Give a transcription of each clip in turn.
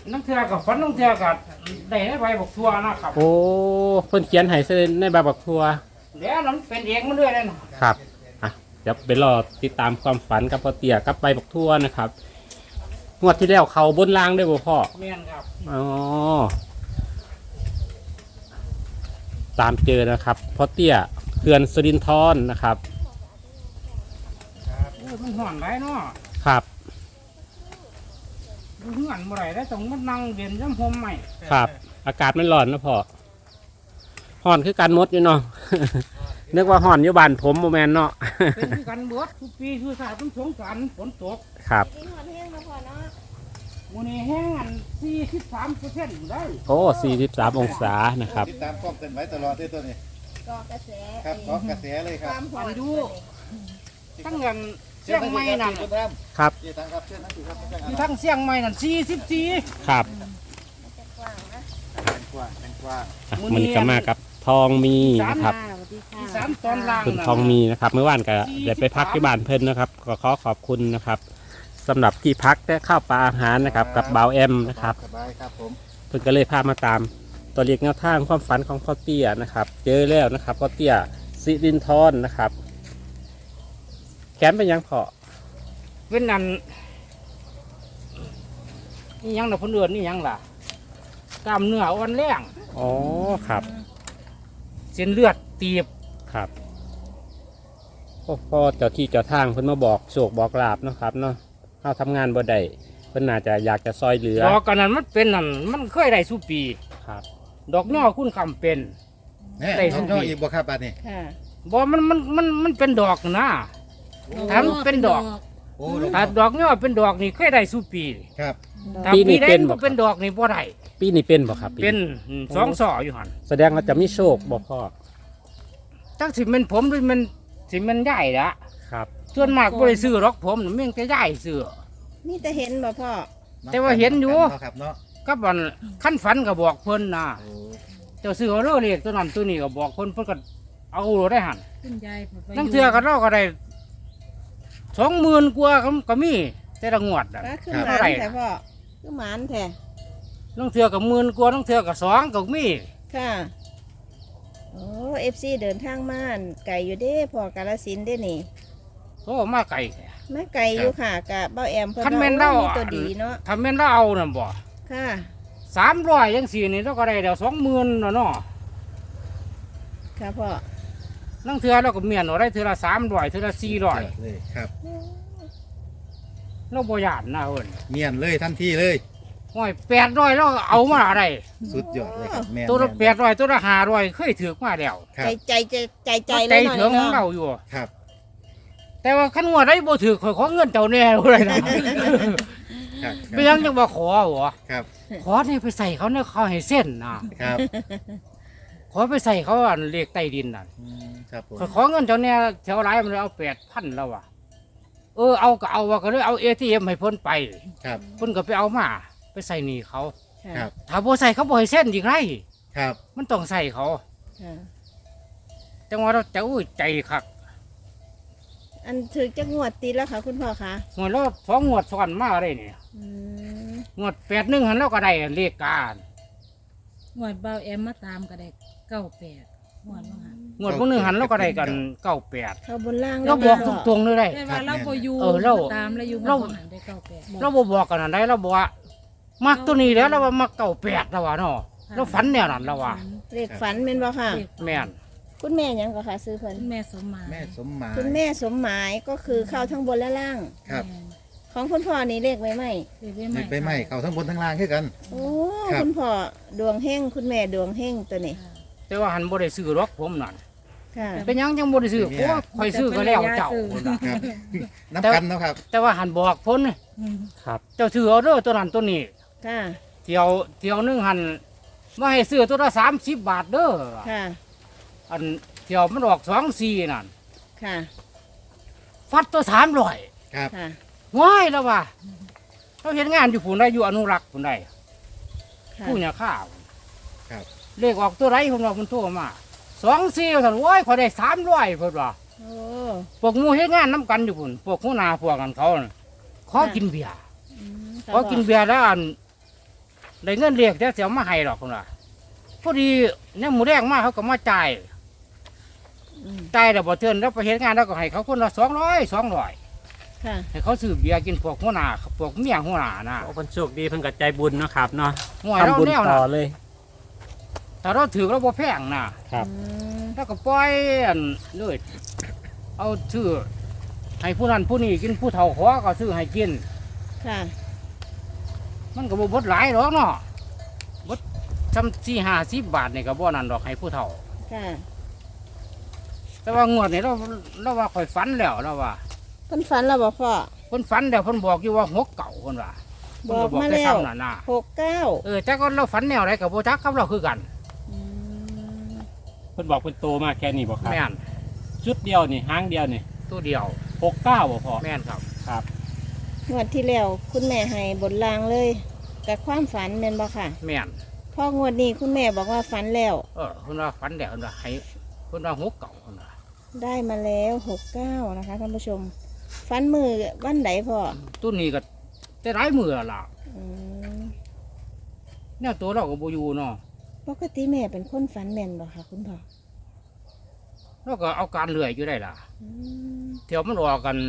น้ำเทือกับฟันน้ำเทือกับได้ในใบบักทั่วนะครับโอ้เพิ่นเขียนให้เส้นในใบบักทั่วเดี๋ยวน้ำเป็นเองมันเรื่อยเลยนะครับอ่ะเดี๋ยวไปรอติดตามความฝันกับพ่อเตี้ยกับใบบักทั่วนะครับงวดที่แล้วเขาบนรางได้บ่พ่อแม่นครับอ๋อตามเจอนะครับพ่อเตี้ยเขื่อนสิรินธรนะครับมันห่อนไรเนาะครับมันห่อนเมื่อไรได้ต้องมันนั่งเย็นย้ำหอมใหม่ครับอากาศมันร้อนนะพ่อห่อนคือการมดอยู่เนาะ นึกว่าห่อนอยู่บ้านผมโมแมนเนาะเป็นกันเบิดทุกปีคือสาต้องสงสารฝนตกครับวันนี้แห้งอัน43%ได้โอ้43องศานะครับติดตามความเคลื่อนไหวตลอดด้วยตัวนี้กอกระแสครับกอกระแสเลยครับอันดูทั้งเงินเสี่ยงไม้นั่นครับที่ทั้งเสี่ยงไม้นั่น44 ครับมันก็มากับทองมีนะครับ 3ตอนล่างคุณทองมีนะครับเมื่อวานก็ได้ไปพักที่บ้านเพิ่นนะครับก็ขอขอบคุณนะครับสำหรับที่พักและข้าวปลาอาหารนะครับกับบ่าวแอมนะครับสบายครับผมเพิ่นก็เลยพามาตามตัวเลขแนวทางความฝันของพ่อเตี้ยนะครับเจอแล้วนะครับพ่อเตี้ยสิรินธรนะครับแขนเป็นยังพอเป็นนั่นนี่ยังแต่คนอื่นนี่ยังล่ะกล้ามเนื้ออ่อนแรงอ๋อครับเส้นเลือดตีบครับพ่อเจ้าที่เจ้าทางเพิ่นมาบอกโชคบอกลาบนะครับเนาะเข้าทำงานบ่ได้เพิ่นน่าจะอยากจะซอยเหลือดอกกันนั้นมันเป็นนั่นมันเคยได้สุปีครับดอกย่อคุณคำเป็นได้ดอกย่ออีกบ่ครับบัดนี้บ่มันเป็นดอกนะถ้ามันเป็นดอกถ้าดอกย่อเป็นดอกนี่เคยได้สุปีครับปีนี้เป็นบ่เป็นดอกนี่บ่ได้ปีนี้เป็นบ่ครับเป็น2 ศอกอยู่หั่นแสดงว่าจะมีโชคบ่พ่อจักสิเป็นผมหรือมันสิมันใหญ่ละครับส่วนมากบ่ได้ซื้อหรอกผมมันจะใหญ่ซื้อนี่จะเห็นบ่พ่อแต่ว่าเห็นอยู่ครับเนาะกับวันขั้นฝันก็บอกเพิ่นนะเจ้าซื้อเอาเรื่องเลขตัวนั้นตัวนี้ก็บอกเพิ่นก็เอาได้หันนั่งเทือกันเราก็ได้20,000 กว่าก็มีแต่ละงวดอ่ะคือหมานแท้พ่อคือหมานแท้นั่งเทือกับ10,000 กว่านั่งเทือกับ2ก็มีค่ะโอ้FC เดินทางมาไก่อยู่เด้พ่อกาฬสินธุ์เด้นี่โอ้มาไกลมาไก่อยู่ค่ะกับเบ้าแอมเพิ่นมีตัวดีเนาะทำแม่นเราเอาน่ะบ่ค่ะ 300จังซี่นี่เราก็ได้เดี๋ยว20,000เนาะค่ะพ่อนั่งเทือเราก็เมียนเอาได้เทือละ300เทือละ400 เลยครับเราบ่ย่านนะเพิ่นเมียนเลยทันทีเลยโอ้ย800เราเอามาอะไรสุดยอดเลยครับแม่ตัวละ800ตัวละ500เคยถือมาแล้วใจเลยหน่อยใจถึงของเราอยู่ครับแต่ว่าขั้นว่าได้บ่ถือขอเงินเจ้าแน่เลยนะไม่ยังจะมาขอหัวขอให้ไปใส่เขาเนี่ยเขาให้เส้นนะครับขอไปใส่เขาอันเลขใต้ดินน่ะขอเงินเจ้าแน่แถวไรมันเลยเอา8,000แล้วว่ะเอาก็เอาว่าก็เลยเอา ATM ให้เพิ่นไปเพิ่นก็ไปเอามาไปใส่หนี้เขาถ้าบ่ใส่เขาบ่ให้เส้นอีกไรมันต้องใส่เขาจังว่าเราจะใจคักอันถือจะงวดตีแล้วค่ะคุณพ่อคะงวดแล้ว2 งวดซ้อนมาได้เนี่ยงวด81หันแล้วก็ได้เลขการงวดเบาแอมมาตามก็ได้98 งวดพวกนึงหันแล้วก็ได้กัน98 เขาบนล่างเราบอกตรงๆเลยได้แต่ว่าเราบ่อยู่ตามแล้วอยู่เราได้98 เราบอกกันได้เราบอกว่ามักตัวนี้แล้วเราว่ามัก98แล้วว่าเนาะเราฝันแนวนั้นแล้วว่าเลขฝันแม่นบ่ค่ะแม่นคุณแม่ยังก็ค่ะซื้อเพิ่นแม่สมหมายคุณแม่สมหมายก็คือเข้าทั้งบนและล่างครับของคุณพ่อนี่เลขไว้ไหมเลขไปไหมเข้าทั้งบนทั้งล่างคือกันโอ้คุณพ่อดวงเฮงคุณแม่ดวงเฮงตัวนี้แต่ว่าหันบ่ได้ซื้อหรอกผมนั่นเป็นยังบ่ได้ซื้อเพราะค่อยซื้อก็แล้วเจ้าน้ำกันเนาะครับแต่ว่าหันบอกพ้นครับเจ้าซื้อเอาเด้อตัวนั้นตัวนี้เที่ยวนึงหันมาให้ซื้อตัวละ30 บาทเด้ออันเที่ยวมันออก24นั่นฟัดตัว300 ครับง่ายแล้วว่ะเขาเห็นงานอยู่ผู้ใดอยู่อนุรักษ์ผู้ใดผู้เนี่ยข้าวเลขออกตัวไรผมว่าคุณโทรมา24ท่านโอ้ยขอได้300เพิ่นว่าพวกมูเฮ็ดงานน้ำกันอยู่พุ่นพวกหัวหน้าพวกกันเขาขอกินเบียร์แล้วอันได้เงินเรียกแต่เสียมาให้หรอกคนละพอดีเนี่ยหมูแดงมาเขาก็มาจ่ายอืมจ่ายแล้วบ่เทือนแล้วไปเฮ็ดงานแล้วก็ให้เขาคนละ200 ค่ะให้เขาซื้อเบียร์กินพวกหัวหน้าพวกเมียหัวหน้านะโอ้คนโชคดีเพิ่นก็ใจบุญเนาะครับเนาะห่วยเราทำบุญแนวต่น่ะอเลยถ้าเราถือเราบ่แพงน่ะครับอืมแล้วก็ปล่อยอันเลยเอาซื้อให้ผู้นั้นผู้นี้กินผู้เฒ่าขอก็ซื้อให้กินค่ะมันก็บ่เบดหลายหรอกเนาะเบดซ้ำ4-50 บาทนี่ก็บ่นั่นดอกให้ผู้เฒ่าค่ะแต่ว่างวดนี้เราว่าข่อยฝันแล้วเราว่าเพิ่นฝันแล้วบ่พ่อเพิ่นฝันแล้วเพิ่นบอกอยู่ว่าหกเก่าเพิ่นว่าบอกมาเพิ่นแล้วซ้ำนั่นน่ะ 69 แต่ก็เราฝันแนวไหนกับโบจักกับเราคือกันอืมเพิ่นบอกเป็นโตมากแค่นี้บ่ครับแม่นชุดเดียวนี่หางเดียวนี่ตัวเดียว 69บ่พอแม่นครับครับงวดที่แล้วคุณแม่ให้บนรางเลยกับความฝันแม่นบ่ค่ะแม่นพองวดนี้คุณแม่บอกว่าฝันแล้วเพิ่นว่าฝันแล้วเพิ่นว่าให้เพิ่นว่าหกเก่าเพิ่นว่าได้มาแล้ว69นะคะท่านผู้ชมฝันมือวันไหนพ่อตัวนี้ก็แต่หลายมือแล้วล่ะอืมแนวตัวเราก็บ่อยู่เนาะปกติแม่เป็นคนฝันแม่นบ่คะคุณพ่อเราก็เอาการเลื่อยอยู่ได้ล่ะอืมเที่ยวมันออกกัน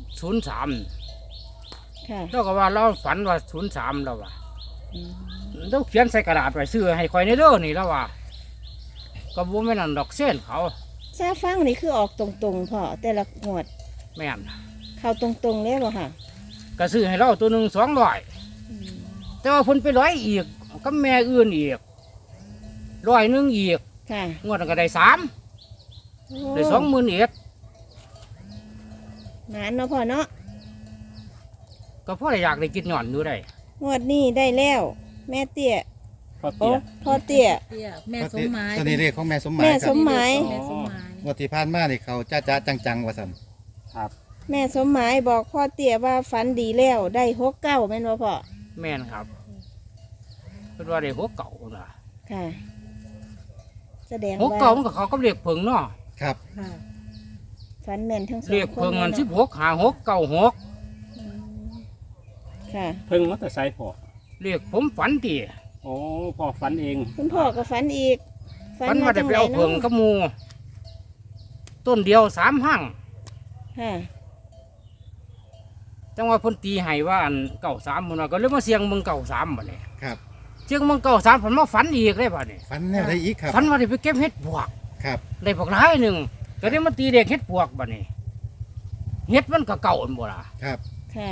03 ค่ะเราก็ว่าเราฝันว่า03แล้วว่าอืมเราเขียนใส่กระดาษไว้ซื้อให้ข่อยในเด้อนี่แล้วว่าก็บ่แม่นนั่นดอกเส้นเขาซาฟังนี่คือออกตรงๆพ่อแต่ละงวดแม่นเข้าตรงๆเลยบ่ค่ะก็ซื้อให้เราตัวหนึง200 อืมแต่ว่าเพิ่นไปร้อยอีกกับแม่อื่นอีก100อีกค่ะงวดนั้นก็ได้3ได้20,000อีกหมานเนาะพ่อเนาะก็เพราะอยากได้กินหย่อนอยู่ได้งวดนี้ได้แล้ว แม่เตี้ยพอโอ้เตี้ยพ่อเตี้ยเตี้ยแม่สมหมายตัวนี้เลขของแม่สมหมายแม่คสรับมหมายแม่สมหมายงวดที่ผ่านมานี่เขาจ้าจังๆว่าซั่นครับแม่สมหมายบอกพ่อเตี้ยว่าฝันดีแล้วได้69แม่นบ่พ่อแม่นครับเพิ่นว่าได้หัวเก่าน่ะค่ะ แสดงหัวว่าเก่ามันก็เขาก็เรียกเพิงเนาะครับค่ะฝันแม่นทั้งสองเรียกคเพิงนอันเลยเนาะ 16 56 96 อืมค่ะเพิ่งมอเตอร์ไซค์พอเรียกผมฝันติโอ้พอฝันเองคุณพ่อก็ฝันอีกฝันว่าได้ไปเอาเพิงกับหมู่ต้นเดียว3หั่งค่ะจังว่าเพิ่นตีให้ว่าอัน93พุ่นน่ะก็เลยมาเสียงเบิ่ง93บัดนี้ครับเสียงเบิ่ง93เพิ่นมาฝันอีกเลยบัดนี้ฝันแนวได้อีกครับฝันว่าได้ไปเก็บเห็ดปวกครับได้พวกหลายหนึงก็ได้มาตีเด็กเห็ดปวกบัดนี้เห็ดมันก็เก่าอันบ่ล่ะครับค่ะ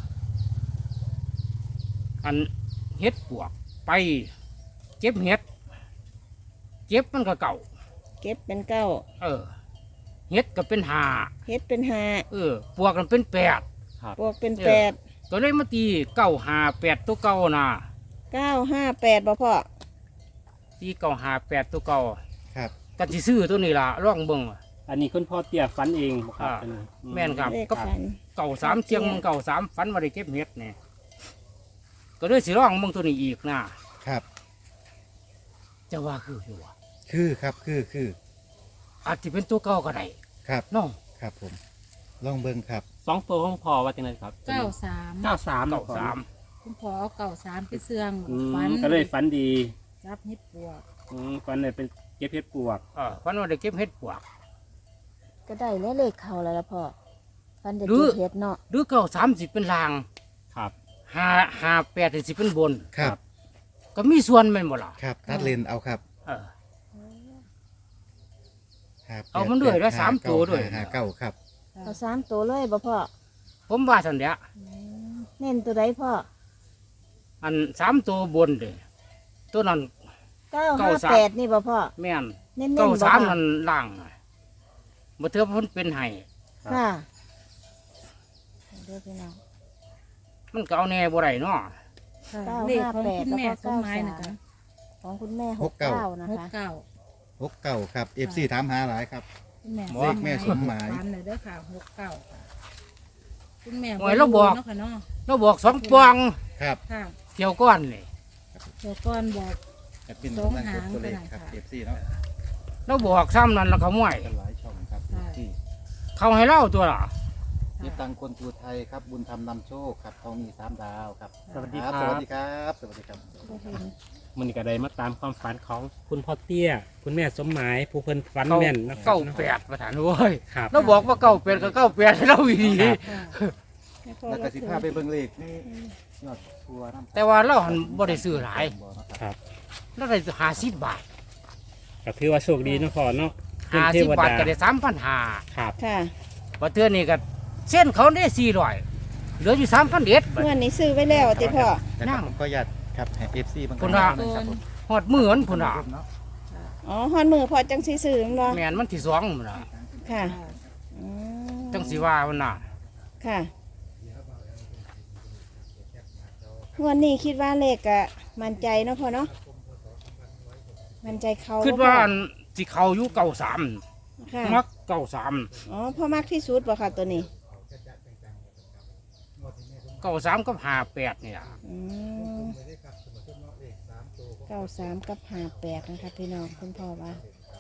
อันเห็ดปวกไปเก็บเห็ดเก็บมันก็เก่าเก็บเป็นเก้าเห็ดก็เป็นห้าเฮ็ดเป็นห้าปวกมันเป็น8 บวกเป็นเออแปดก็เลยมาตี958ตัวเก่านะ 958บ่พ่อตี958ตัวเก่าครับกันสิซื้อตัวนี้ล่ะลองเบิ่งอันนี้คุณพ่อเตี้ยฝันเองบ่ครับอ่าอันนี้แม่นครับเลขก็ฝัน 93เชียงมัน93ฝันว่าได้เก็บเห็ดนี่ก็เลยสิลองเบิ่งตัวนี้อีกนะครับ จะว่าคืออยู่วะคือครับคืออาจจะเป็นตัวเก่าก็ได้ครับเน้องครับผม ลองเบิ่งครับสองตัวของพ่อว่าจังไดครับ 93 93 เก่าสามคุณพ่อเอา93ไปเสื่องอืมฝันก็เลยฝันดีจับเฮ็ดปวกฝันเลยเป็นเก็บเพชรปวกฝันว่าได้เก็บเห็ดปวกก็ได้แล้วเลขเข้าแล้วล่ะพ่อฝันได้หรือเก็บเฮ็ดเนาะหรือ93สิเป็นลางครับ 58สิเป็นบนครับก็มีส่วนแม่นบ่ล่ะครับตัดเลนเอาครับเออครับเอามันด้วยแล้ว3ตัวด้วยหาเก้าครับเอา3ตัวเลยบ่พ่อผมว่าซั่นเด้อเน้นตัวใดพ่ออัน3ตัวบนเด้ตัวนั้น 958นี่บ่พ่อแม่นเน้นๆบ่พ่อ 93นั่นล่างน่ะบ่เทื่อเพิ่นเป็นให้ค่ะเดี๋ยวพี่น้องมันก็เอาแน่บ่ได้เนาะค่ะ 958 เลขของคุณแม่แล้วก็สมหมายนะคะของคุณแม่ 69 69นะคะ 69 หกเก้าครับ FC ถามหาหลายครับคุณแม่เลขแม่สมหมายฝันเลยเด้อค่ะ69ค่ะคุณแม่โอ้ยเราบอกเนาะค่ะเนาะเราบอก2ปองครับค่ะเที่ยวก้อนนี่เดี๋ยวก่อนบอกแอดมินสองนั่งหางกดตัวเลขก็ได้ครับค่ะ FC เนาะเราบอกซ้ำนั่นแล้วเขาม่วยกันหลายช่องครับ FC เขาให้เล่าตัวล่ะนี่ตังคนทูไทยครับ บุญธรรมนำโชคครับทองมี3 ดาวครับสวัสดีครับคสรัวัสบดีครับ สวัสดีครับบ่เห็นมันนี้ก็ได้มาตามความฝันของคุณพ่อเตี้ย คุณแม่สมหมายผู้เพิ่นฝันแม่นนะครัเก้าบแปดประธานโว้ยครับเราบอกว่าเก้าแปดก็เก้าแปดเราอีดีให้พ่อแล้วก็เราสิถือพาไปเบิ่งเลขในยอดทัวร์น้ำแต่ว่าเราหันบ่ได้ซื้อหลายครับเราได้50 บาทก็ถือว่าโชคดีเนาะพ่อเนาะเพิ่นเทว 50 บาทดาก็ได้3,500 ครับค่ะบัดเทื่อนี้ก็เส้นเขาได้400เหลืออยู่3,000เด็ดบัดเมื่อนี้ซื้อไว้แล้วติพ่อนะครับผมก็อยากครับให้ FC บางคนละนะครับผมฮอดมื้อนั้นพุ่นน่ะเนาะอ๋อฮอนมือพอจังสิซื้อแม่นบ่แม่นมันที่2พุ่นน่ะค่ะอืมจังสิว่ามันน่ะค่ะงวันนี้คิดว่าเลขอะมั่นใจเนาะพ่อเนาะมั่นใจเขาคิดว่าบ่พ่ออันสิเข้าอยู่93 ค่ะมัก93 อ๋อพ่อมักที่สุดบ่ค่ะตัวนี้ 93กับ58นี่ล่ะอืม93กับ58นะคะพี่น้องคุณพ่อว่า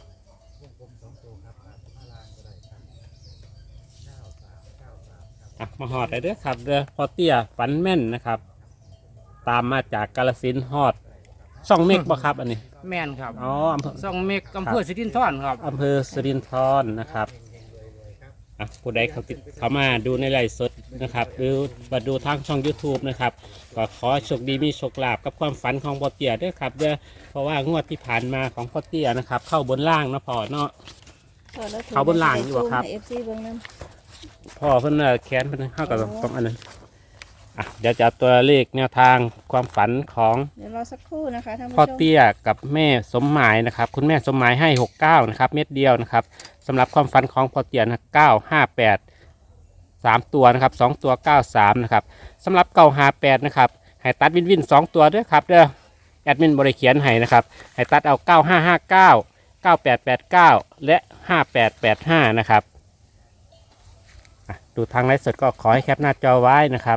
อ่ะมาหอดได้เด้อครับเด้อพ่อเตี้ยฝันแม่นนะครับ ตามมาจากกาฬสินธุ์ฮอดช่องเมฆบ่ครับอันนี้แม่นครับอ๋ออำเภอซ่องเมกอำเภอสิรินธรครับอำเภอสิรินธรนะครับอ่ะผู้ใดเขามาดูในไลฟ์สดนะครับหรือมาดูทางช่อง YouTube นะครับก็ขอให้โชคดีมีโชคลาภกับความฝันของพ่อเตี้ยด้วยครับเด้อเพราะว่างวดที่ผ่านมาของพ่อเตี้ยนะครับ เข้าบนล่างเนาะพ่อเนาะพ่อแล้วถืเขาบนหลังอยู่บ่ครับให้ FC เบิ่งนำพ่อเพิ่นน่ะแค้นเพิ่นเข้ากับตรงอันนั้นอ่ะเดี๋ยวจะเอาตัวเลขแนวทางความฝันของเดี๋ยวรอสักครู่นะคะท่านผู้พ่อชมเตี้ยกับแม่สมหมายนะครับ คุณแม่สมหมายให้69นะครับเม็ดเดียวนะครับสำหรับความฝันของพ่อเตี้ยนะ958 3ตัวนะครับ2ตัว93นะครับสำหรับ958นะครับให้ตัดวินวิน2ตัวด้วยครับเด้อแอดมินบริเขียนให้นะครับให้ตัดเอา9559 9889และ5885นะครับอ่ะดูทางไลฟ์สดก็ขอให้แคปหน้าจอไว้นะครับ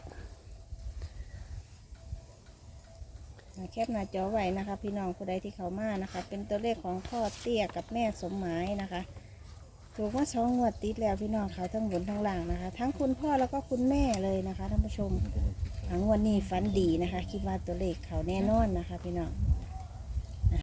แคปหน้าจอไว้นะคะ พี่น้องผู้ใดที่เขามานะคะ เป็นตัวเลขของพ่อเตี้ยกับแม่สมหมายนะคะถูกว่า2 งวดติดแล้วพี่น้องเขาทั้งบนทั้งล่างนะคะ ทั้งคุณพ่อแล้วก็คุณแม่เลยนะคะท่านผู้ชมทั้งวันนี้ฝันดีนะคะ คิดว่าตัวเลขเขาแน่นอนนะคะ พี่น้อง